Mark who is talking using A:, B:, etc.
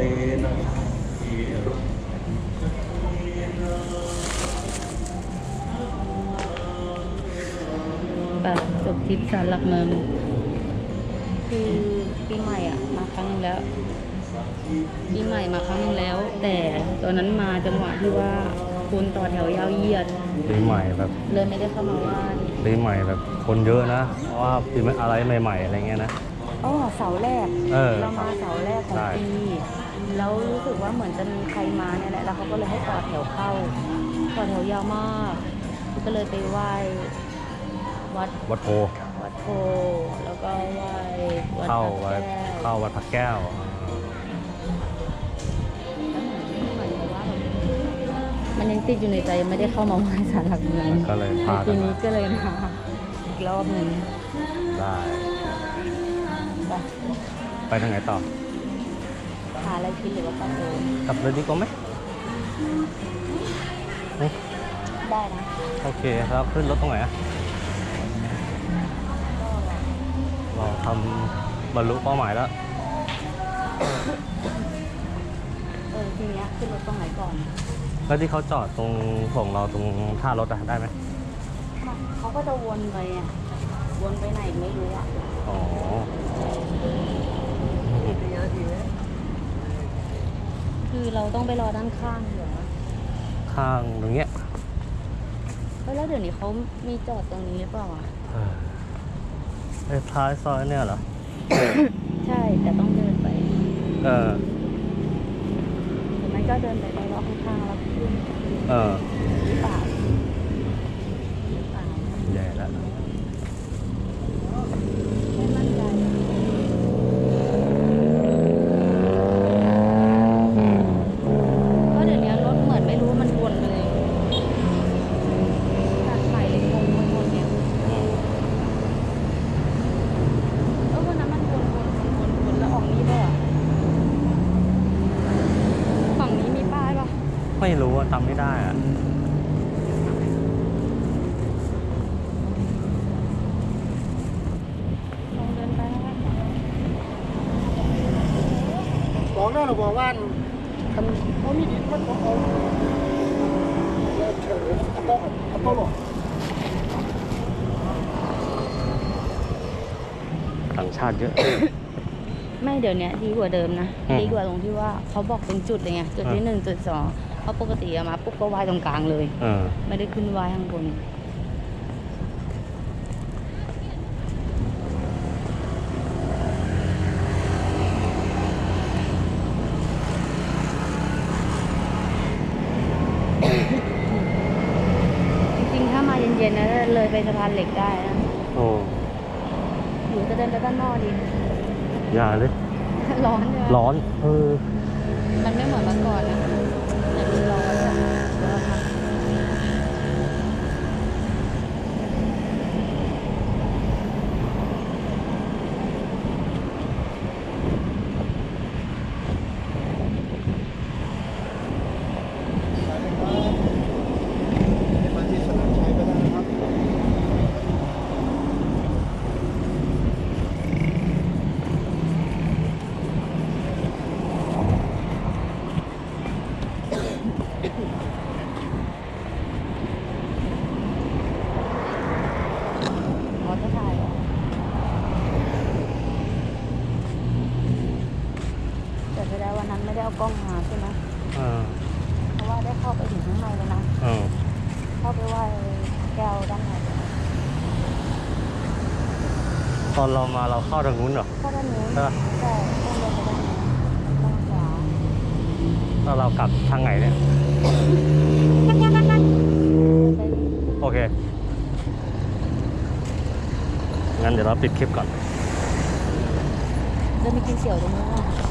A: จบทริปศาลหลักเมืองคือปีใหม่มาครั้งนึงแล้วปีใหม่มาครั้งนึงแล้วแต่ตอนนั้นมาจังหวะที่ว่าคนต่อแถวยาวเหยียด
B: ปีใหม่แบบ
A: เลยไม่ได้เข้ามาไหว้
B: ปีใหม่แบบคนเยอะนะเพราะว่าปีอะไรใหม่ๆอะไรเงี้ยนะ
A: เสาแรกเรามาเสาแรกของปีแล้วรู้สึกว่าเหมือนจะมีใครมาเนี่ยแหละแล้วเขาก็เลยให้ต่อแถวเข้าต่อแถวยาวมากก็เลยไปไหว้วัดโพแล้วก็ไหว้
B: เข้าวัดพระแก้ว
A: มันยังติดอยู่ในใจไม่ได้เข้ามาไหว้ศาลหลักเมือง
B: ก็เลยพา
A: ทีนี้ก็เลยมาอีกรอบหนึ่ง
B: ได้ไปทางไหนต่อ
A: หาอะไรกินหรือว่าก
B: ลับเลยดีกว่าไหม
A: ได้นะ
B: โอเคแล้วขึ้นรถตรงไหนเราทำบรรลุเป้าหมายแล้ว
A: ทีนี้ขึ้นรถตรงไหนก่อน
B: แล้วที่เขาจอดตรงส่งเราตรงท่ารถได้ไหม
A: เขาก็จะวนไปวนไปไหนไม่รู้
B: อ๋อ
A: คือเราต้องไปรอด้านข้างเหรอ
B: ข้างตรงเนี้ย
A: แล้วเดี๋ยวนี้เขามีจอดตรงนี้หรือเปล่า
B: ท้ายซอยเนี่ยเหรอ
A: ใช่แต่ต้องเดินไป
B: ห
A: รือไม่ก็เดินไปรอบข้างๆแล้วขึ้นหรือเปล่า
B: ใหญ่แล้ว
A: ไม่มั่นใจก็เดี๋ยวนี้รถเหมือนไม่รู้มันวนเลยตัดไฟงงมันวนเนี่ยวันนั้นมันวนแล้วออกนี้ป่ะฝั่งนี้มีป้ายป่ะ
B: ไม่รู้จำไม่ได้
C: บอกแล้วเราบอกว่าคันเขามีดินมันเขาเอาเฉยเขาหลอก
B: ต่างชาติเยอะ
A: ไม่เดี๋ยวนี้ดีกว่าเดิมนะดีกว่าตรงที่ว่าเขาบอกเป็นจุดเลยไงจุดที่1 จุด 2เพราะปกติมาปุ๊บก็ไหว้ตรงกลางเลยไม่ได้ขึ้นไหว้ข้างบนจริงๆถ้ามาเย็นๆนะเลยไปสะพานเหล็กได้นะหรือจะเดินไปด้านนอกดี
B: อย่าเลย
A: ร้อนเลย
B: ร้อน
A: มันไม่เหมือนเมื่อก่อนนะแต่ดูร้อนอะไม่ได้เอากล้องมาใช่ไหมเพราะว่าได้เข้าไปถึงข้างในแล้วนะเข้าไปไหว้แก้วด้านใน
B: ตอนเรามาเราเข้าทางนู้นเหรอ
A: เข้าด้านนู้นใช่ต้องเดินไปด้านนี้ด้านขวา
B: แล้วเรากลับทางไหนเนี่ยโอเคงั้นเดี๋ยวเราปิดคลิปก่อน
A: เดินไปกินเสี่ยวตรงนู้น